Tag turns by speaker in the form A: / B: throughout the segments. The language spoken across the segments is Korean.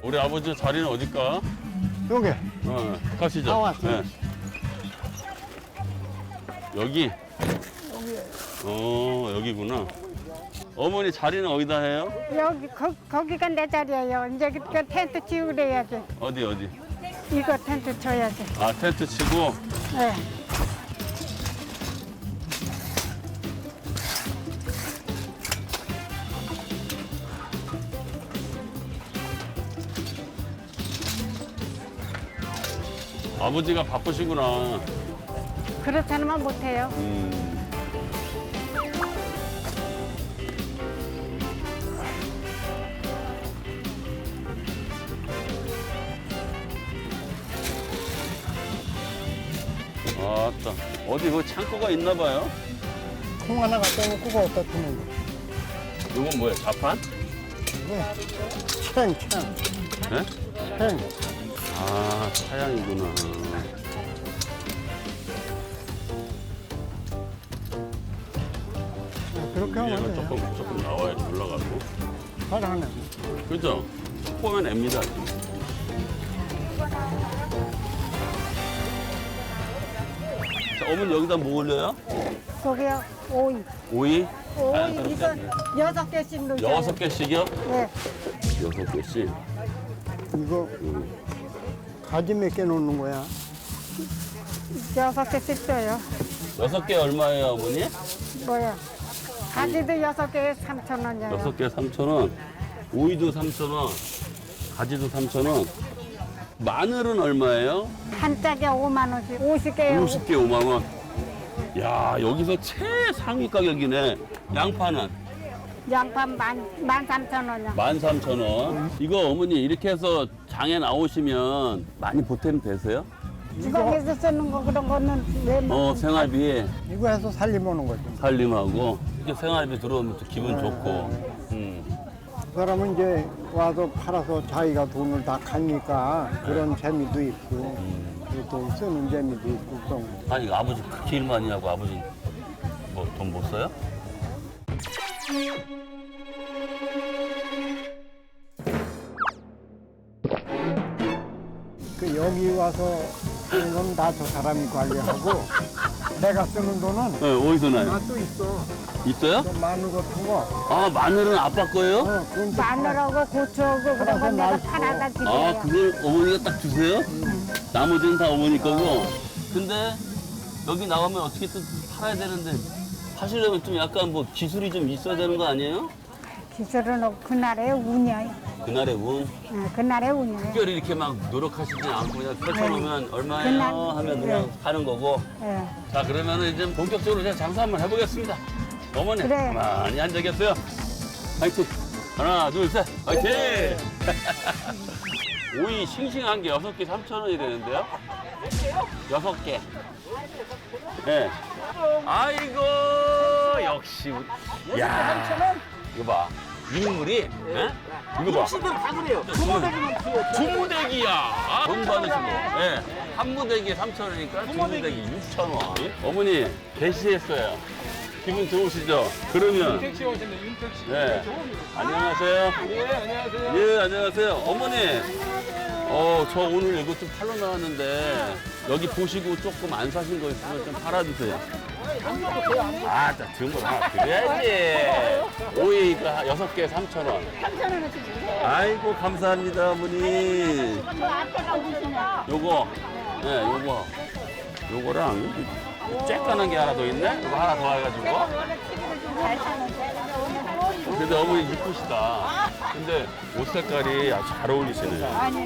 A: 우리 아버지 자리는 어딜까?
B: 여기.
A: 가시죠.
B: 다 왔어요.
A: 네. 여기? 여기구나. 어머니 자리는 어디다 해요?
C: 여기 거기가 내 자리예요. 이제 그 텐트 치우래야지.
A: 어디?
C: 이거 텐트 쳐야지.
A: 아, 텐트 치고.
C: 네.
A: 아버지가 바쁘시구나.
C: 그렇다면 못해요.
A: 아따. 어디 뭐 창고가 있나 봐요?
B: 통 하나 갖다 놓고 어디다 두는 거.
A: 이건 뭐야? 자판?
B: 챙.
A: 네?
B: 챙.
A: 아, 차양이구나.
B: 그렇게
A: 위에가
B: 하면 돼요.
A: 조금 나와야지 올라가고.
B: 잘하네.
A: 그죠? 속 보면 앱니다. 자, 어머니 여기다 뭐 올려요?
C: 거기요. 오이.
A: 오이?
C: 오이 이거 6개씩 넣어요.
A: 6개씩이요?
C: 네.
A: 6개씩.
B: 이거 가지 몇 개 놓는 거야?
C: 6개씩 써요.
A: 6개 얼마예요, 어머니?
C: 뭐야? 가지도 6개에 3,000원이에요.
A: 6개 3,000원. 오이도 3,000원. 가지도 3,000원. 마늘은 얼마예요?
C: 한 짝에 5만 원씩. 50개요.
A: 50개 5만 원. 야, 여기서 최상위 가격이네. 양파는
C: 양파 13,000원이요.
A: 13,000원. 이거 어머니 이렇게 해서 장에 나오시면 많이 보탬 되세요?
C: 주방에서 쓰는 거 그런 거는 왜 먹는
A: 생활비
B: 이거 해서 살림하는 거지.
A: 살림하고 이렇게 생활비 들어오면 또 기분 좋고.
B: 그 사람은 이제 와서 팔아서 자기가 돈을 다 가니까 그런 재미도 있고 또 쓰는 재미도 있고 그런 거.
A: 아니, 아버지 그렇게 일 많이 하고 아버지 뭐 돈 못 써요?
B: 그 여기 와서 쓰는 건 다 저 사람이 관리하고 내가 쓰는 돈은
A: 네, 어디서 나요?
B: 나 또 있어.
A: 있어요?
B: 저 마늘 같은 거.
A: 아, 마늘은 아빠 거예요?
B: 그건 또
C: 마늘하고 고추하고 그런 건 내가 팔아다
A: 아,
C: 드려요.
A: 그걸 어머니가 딱 주세요? 나머지는 다 어머니 거고. 근데 여기 나가면 어떻게든 팔아야 되는데 하시려면 좀 약간 뭐 기술이 좀 있어야 되는 거 아니에요?
C: 기술은 그날의 운이에요.
A: 그날의 운.
C: 그날의 운이에요.
A: 특별히 이렇게 막 노력하시지 않고 그냥 펼쳐놓으면 얼마예요?
C: 그날,
A: 하면 그냥 하는 거고.
C: 예.
A: 자, 그러면은 이제 본격적으로 제가 장사 한번 해보겠습니다. 어머니,
C: 그래.
A: 가만히 앉아 계세요. 화이팅! 하나, 둘, 셋, 화이팅! 오이 싱싱한 게 6개 3,000원이 되는데요? 6개. 네. 아이고, 역시. 야, 이거 봐. 인물이, 예? 이거 봐.
D: 다 그래요.
A: 두 무대기야. 돈 받으시고. 예. 한 무대기에 3,000원이니까 두 무대기 6,000원. 어머니, 개시했어요. 기분 좋으시죠? 그러면.
D: 윤택씨 오셨네, 윤택씨.
A: 네. 안녕하세요.
D: 예, 안녕하세요.
A: 예, 안녕하세요. 어머니. 저 오늘 이거 좀 팔러 나왔는데 여기 보시고 조금 안 사신 거 있으면 좀 팔아주세요. 아, 자, 등을 하나 드려야지. 오이가 6개 3,000원.
C: 3,000원어치.
A: 아이고, 감사합니다, 어머니.
C: 저 앞에가 무엇이냐?
A: 요거, 네, 요거랑 쬐깐한 게 하나 더 있네? 이거 하나 더 해가지고.
C: 원래 TV를 좀 잘 사는데 오늘
A: 근데 어머니 이쁘시다. 근데 옷 색깔이 아주 잘 어울리시네요.
C: 아니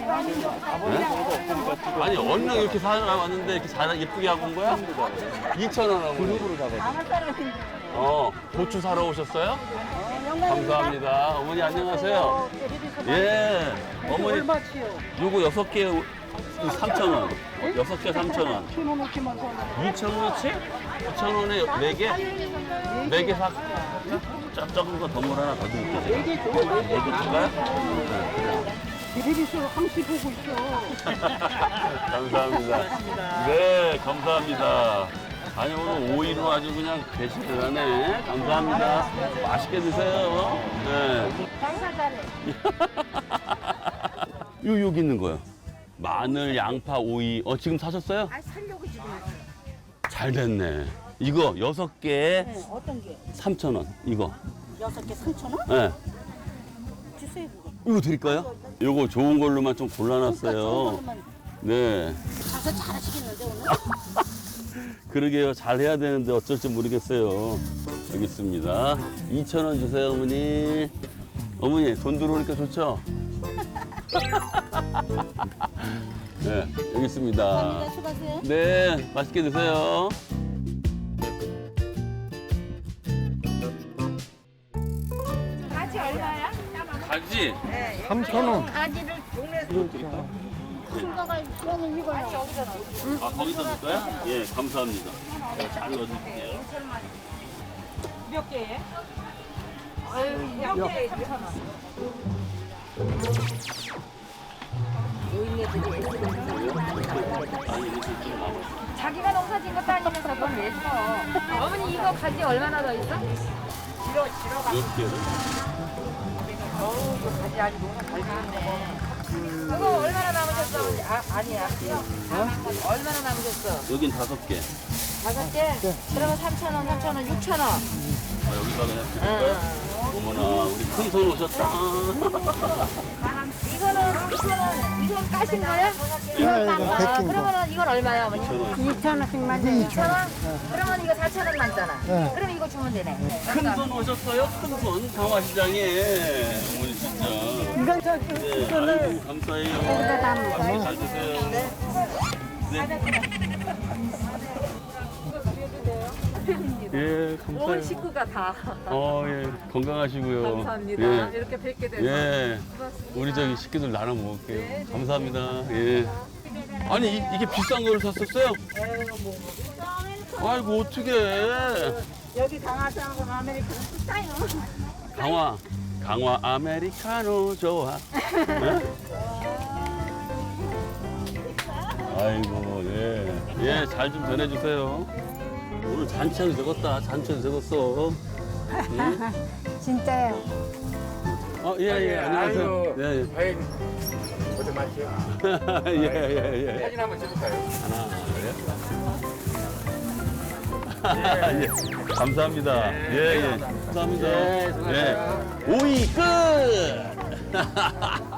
A: 아니, 얼른 이렇게 사왔는데 이렇게 잘 예쁘게 하고 온 거야? 2,000원 어머니.
C: 아무 사람인데.
A: 고추 사러 오셨어요? 감사합니다. 어머니 안녕하세요. 예. 어머니 요거 6개 3,000원. 6개 3,000원. 2,000원어치? 2,000원에 4개? 4개 사. 작은 거 덤물 하나 더 드릴게요. 4개 줄까요?
C: 비리비스 항시 보고 있어.
A: 감사합니다. 네, 감사합니다. 아니, 오늘 오이로 아주 그냥 배식을 하네. 감사합니다. 맛있게 드세요. 네.
C: 장사 잘해.
A: 여기 있는 거요. 마늘, 양파, 오이. 지금 사셨어요?
E: 아, 살려고 지금 왔어요.
A: 잘 됐네. 이거 6개
E: 네, 어떤 게?
A: 3,000원. 이거.
E: 6개 3,000원?
A: 네.
E: 주세요, 그거.
A: 이거 드릴까요? 이거 좋은 걸로만 좀 골라놨어요. 네.
E: 가서 잘하시겠는데, 오늘?
A: 그러게요. 잘 해야 되는데 어쩔지 모르겠어요. 여기 있습니다. 2,000원 주세요, 어머니. 어머니, 돈 들어오니까 좋죠? 네, 여기 있습니다.
E: 감사합니다. 수고하세요.
A: 네, 맛있게 드세요.
C: 가지 얼마야?
A: 가지?
B: 3,000원.
C: 가지를 큰 거가 이거는 이거요.
A: 아, 거기다 넣을까요? 예, 감사합니다. 네, 잘 넣어줄게요.
E: 몇 개에?
F: 자기가 농사 짓는 것도 아니면서 그건 왜 써? 어머니 이거 가지 얼마나 더 있어?
A: 몇 개를?
F: 가지 아직 농사 잘 짓는데. 그거 얼마나 남으셨어? 어머니? 아니야. 얼마나 남으셨어?
A: 여긴 5개.
F: 5개? 그러면 3,000원, 3,000원, 6,000원.
A: 아, 여기다 그냥 드릴까요? 어머나, 우리 큰 손 오셨다.
F: 이거는 6,000원. 이건 까신 거야?
B: 이거 백긴 거.
F: 그러면 이건 얼마야 어머니?
C: 2,000원씩 맞아요.
F: 2,000원? 그러면 이거 4,000원 남잖아.
B: 네.
F: 그럼 이거 주면 되네.
A: 큰 손 오셨어요? 큰 손. 강화시장에. 어머니 진짜.
C: 이건 저
A: 네, 아이고, 감사해요.
C: 여기다 담아요.
A: 잘 드세요. 네. 예, 감사해요.
F: 온 식구가 다.
A: 예, 건강하시고요.
F: 감사합니다.
A: 예,
F: 이렇게 뵙게 돼서.
A: 예, 우리 저기 식구들 나눠 먹을게요. 감사합니다. 예. 아니, 이게 비싼 걸 샀었어요? 아이고, 어떡해.
E: 여기 강화사하고 아메리카노 싸요.
A: 강화 아메리카노 좋아. 네? 아이고, 예. 예, 잘 좀 전해주세요. 오늘 잔치하게 적었다. 잔치하게 적었어. 응?
C: 진짜요.
A: 예, 안녕하세요. 예, 예.
D: 아이, 고생 많으세요.
A: 예.
D: 사진 한번 찍을까요?
A: 하나, 예. 감사합니다. 예. 감사합니다.
D: 예, 수고하세요.
A: 예. 오이 끝!